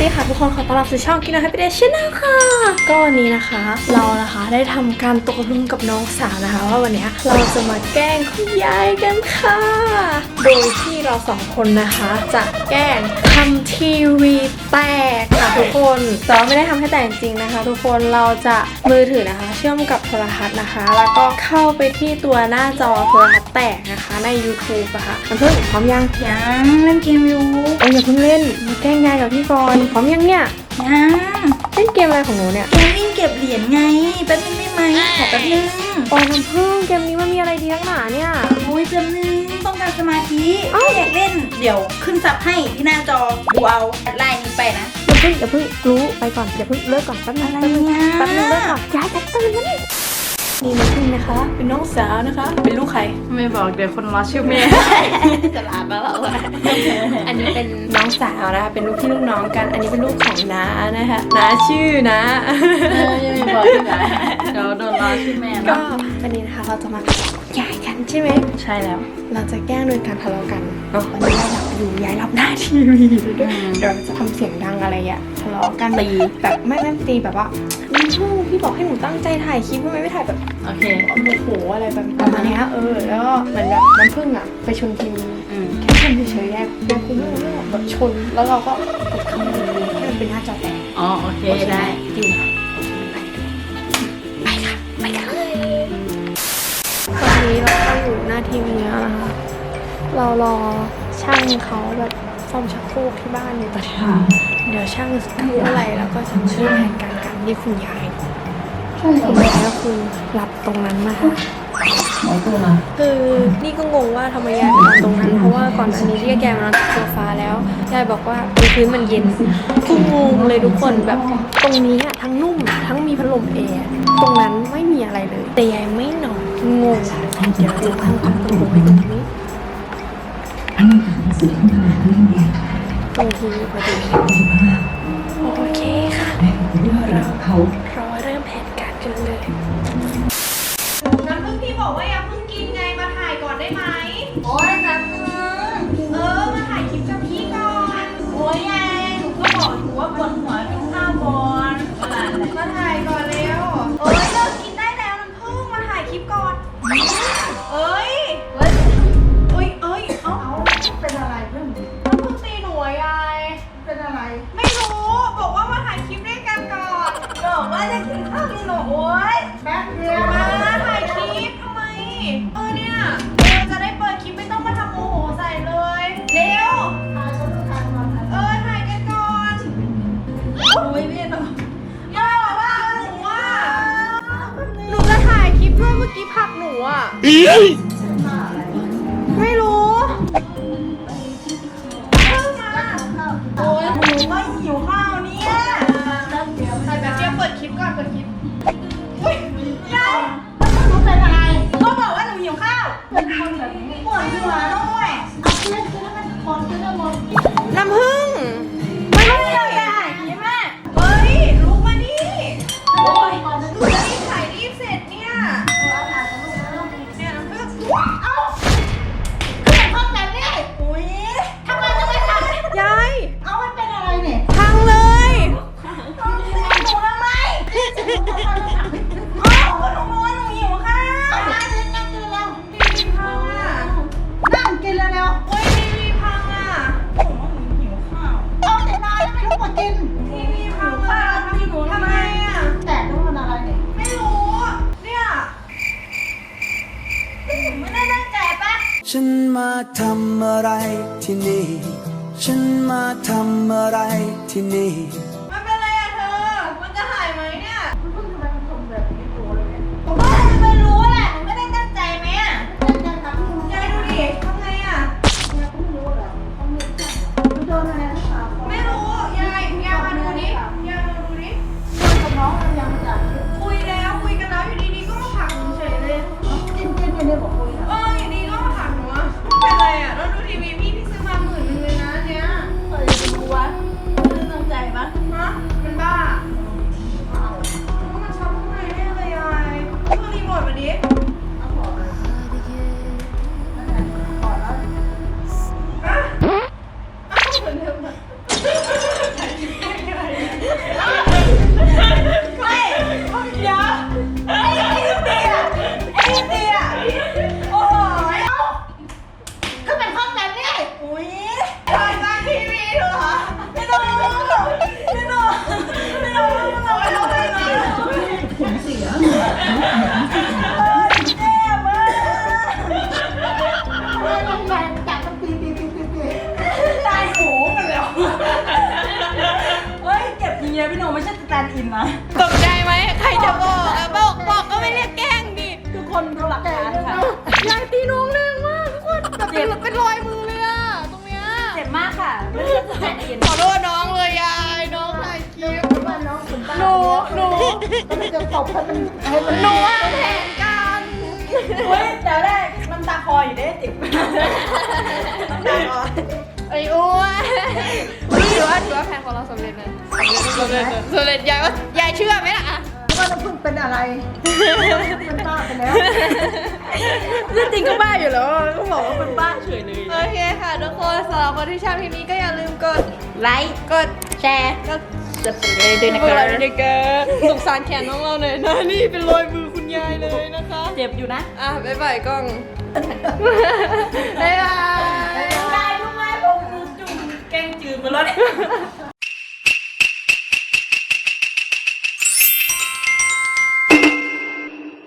ดีค่ะทุกคนขอต้อนรับสู่ช่องกินอาหารไปเดชแนลค่ะก็วันนี้นะคะเรานะคะได้ทำการตกลงกับน้องสาวนะคะว่าวันนี้เราจะมาแกล้งคุณยายกันค่ะโดยที่เราสองคนนะคะจะแกล้งทำทีวีแตกค่ะทุกคนแต่ว่าไม่ได้ทำให้แตกจริงนะคะทุกคนเราจะมือถือนะคะเชื่อมกับโทรทัศน์นะคะแล้วก็เข้าไปที่ตัวหน้าจอโทรทัศน์แตกนะคะใน YouTube อะค่ะมันเพิ่งพร้อมยังเล่นเกมอยู่อย่าเพิ่งเล่นมาแกล้งยายกับพี่ก่อนพร้อมยังเนี่ยเล่นเกมอะไรของหนูเนี่ยเกมวิ่งเก็บเหรียญไงแป๊บนึงได้ไหมขอแป๊บนึงโอ้น้ำผึ้งเกมนี้มันมีอะไรดีนักหนาเนี่ยโอ้ยแป๊บนึงต้องการสมาธิอยากเล่นเดี๋ยวขึ้นซับให้ที่หน้าจอดูเอาไลน์นี้ไปนะอย่าเพิ่งรู้ไปก่อนอย่าเพิ่งเลิกก่อนแป๊บนึงเลิกก่อนยายจะตื่นแล้วนี่น้ำผึ้งนะคะเป็นน้องสาวนะคะเป็นลูกใครไม่บอกเดี๋ยวคนรอชื่อแม่จะลาบ้าเราอันนี้เป็นน้องสาวนะคะเป็นลูกพี่ลูกน้องกันอันนี้เป็นลูกของน้านะคะน้าชื่อนะยังไม่บอกที่ไหนเดี๋ยวโดนรอชื่อแม่ก็วันนี้นะคะเราจะมาใหญ่กันใช่ไหมใช่แล้วเราจะแกล้งโดยการทะเลาะกันเนาะวันนี้เราหลับอยู่ยายรับหน้าทีวีด้วยเดี๋ยวจะทำเสียงดังอะไรอ่ะทะเลาะกันตีแบบไม่ตีแบบว่าพี่บอกให้หนูตั้งใจถ่ายคลิปทำไมไม่ถ่ายแบบโอเคโมโหอะไรแบบประมาณนี้แล้วก็เหมือนแบบน้ำผึ้งอ่ะไปชนทีวีแค่ชนเฉยๆแยกเป็นคุณไม่รู้เรื่องแบบชนแล้วเราก็กดเข้ามาดูให้มันเป็นหน้าจอแตกอ๋อโอเคได้จริงค่ะไปค่ะไปกันเลยตอนนี้เราก็อยู่หน้าทีวีแล้วนะคะเรารอช่างเขาแบบซ่อมชักโครกที่บ้านในตอนนี้เดี๋ยวช่างทำอะไรแล้วก็จะช่วยแผนการที่คุณยายคุณยายก็คือหลับตรงนั้นนะคะคือนี่ก็งงว่าทำไมยายนอนตรงนั้นเพราะว่าก่อนอันนี้ที่แกมานอนโซฟาแล้วยายบอกว่าพื้นมันเย็นคืองงเลยทุกคนแบบตรงนี้ทั้งนุ่มทั้งมีพัดลมแอร์ตรงนั้นไม่มีอะไรเลยแต่ยายไม่นอนงงเดี๋ยวเราทำความตรงไว้ตรงนี้ตรงที่พอดีโอเคค่ะเดี๋ยวเราเริ่มแผนการกันเลยน้ำผึ้งพี่บอกว่าอย่าเพิ่งกินไงมาถ่ายก่อนได้ไหมโอ้ยน้ำผึ้งมาถ่ายคลิปกับพี่ก่อนโอ้ยยายหนูก็บอกอยู่ว่าปวดหัวกินข้าวก่อนมาถ่ายก่อนเร็วเลิกกินได้แล้วน้ำผึ้งมาถ่ายคลิปก่อนเอ้ยเป็นอะไรเพื่อนน้ำผึ้งตีหนูยายเป็นอะไรไม่รู้บอกว่ามาถ่ายคลิปด้วยกันก่อนบอกว่าจะกินข้าวกินหนูโอ้ยแป๊บเดียวมาถ่ายคลิปทำไมเนี่ยจะได้เปิดคลิปไม่ต้องมาทำโมโหใส่เลยเร็วถ่ายกันก่อนโอ้ยพี่อย่าว่าหนูจะถ่ายคลิปด้วยเมื่อกี้ผักหนูไม่รู้โอ้ยหนูก็หิวข้าวเนี่ยถ่ายแบบเดียวเปิดคลิปก่อนเปิดคลิปอุ้ยยายหนูเป็นอะไรก็บอกว่าหนูหิวข้าวเป็นคนแบบนี้ปวดหัวด้วยเอาเพื่อนให้มันคนเพื่อนหมดน้ำผึ้งไม่ได้เลยอ่ะแม่เฮ้ยลุกมาดิโอ้ยหนูจะรีบถ่ายรีบเสร็จเนี่ยน้ำผึ้งเอ้าห้องแบบนี้อุ้ยทำไมจะไม่ทำยายเอามันเป็นอะไรเนี่ยพังเลยต้องเสียหนูทำไมอ้าวก็หนูบอกว่าหนูหิวข้าวนั่งกินแล้วทีวีพังอ่ะนั่งกินแล้วโอ้ยทีวีพังอ่ะผมว่าหนูหิวข้าวเอาแต่นานแล้วไม่รู้มากินทีวีพังอ่ะทำไมอ่ะแต่ต้องมันอะไรเนี่ยไม่รู้เนี่ยไม่ได้ตั้งใจปะฉันมาทำอะไรที่นี่ฉันมาทำอะไรที่นี่มันเป็นไรอะเธอมันจะหายไหมเนี่ยมันเพิ่งทำไมมันทำแบบนี้ตัวเลยเนี่ยผมว่าจะไม่รู้แหละไม่ได้ตั้งใจไหมอะยายทำให้ยายดูดิทำไงอะยายก็ไม่รู้เหรอต้องเลือกจังมันโดนอะไรหรือเปล่าไม่รู้ยายมาดูดิยายมาดูดิคุยกับน้องเรายังไม่ได้คุยกันแล้วอยู่ดีๆก็มาผลักหนูเฉยเลยกินเนี่ยบอกคุยนะอยู่ดีก็มาผลักหนูอะเป็นไรอะแล้วดูทีวีพี่ซื้อมา10,000เลยนะเนี่ยจะดูวะไม่ตั้งใจปะแตนด์อินมาตกใจไหมใครจะบอกอะบอกก็ไม่เรียกแกล้งดิทุกคนดูหลักฐานค่ะยายตีน้องแรงมากทุกคนแบบเป็นรอยมือเลยอะตรงเนี้ยเจ็บมากค่ะไม่ใช่แตนด์อินขอโทษน้องเลยยายน้องถ่ายคลิป หนูมันจะตบให้มันหนูวางแผนกันเฮ้ยเดี๋ยวได้มันตาคออยู่ได้ติดไอ้อ้วนถือว่าแผนของเราสำเร็จนะสำเร็จยายว่ายายเชื่อไหมล่ะว่าน้ำพึ่งเป็นอะไร เป็นบ้าไปแล้วจริงก็บ้าอยู่แล้วก็บอกว่าเป็นบ้าเฉยเลยโอเคค่ะทุกคนสำหรับคนที่ชอบคลิปนี้ก็อย่าลืมกดไลค์กดแชร์ก็จะเป็นเลยด้วยนะกคดรัไลบค์ด้วยกันสงสารแขนน้องเราหน่อยนะนี่เป็นรอยมือคุณยายเลยนะคะเจ็บอยู่นะอ่ะบ๊ายบายกล้องบ๊ายบายได้รู้ไหมผมจุ่มแกงจืดมาแล้วเนี่ย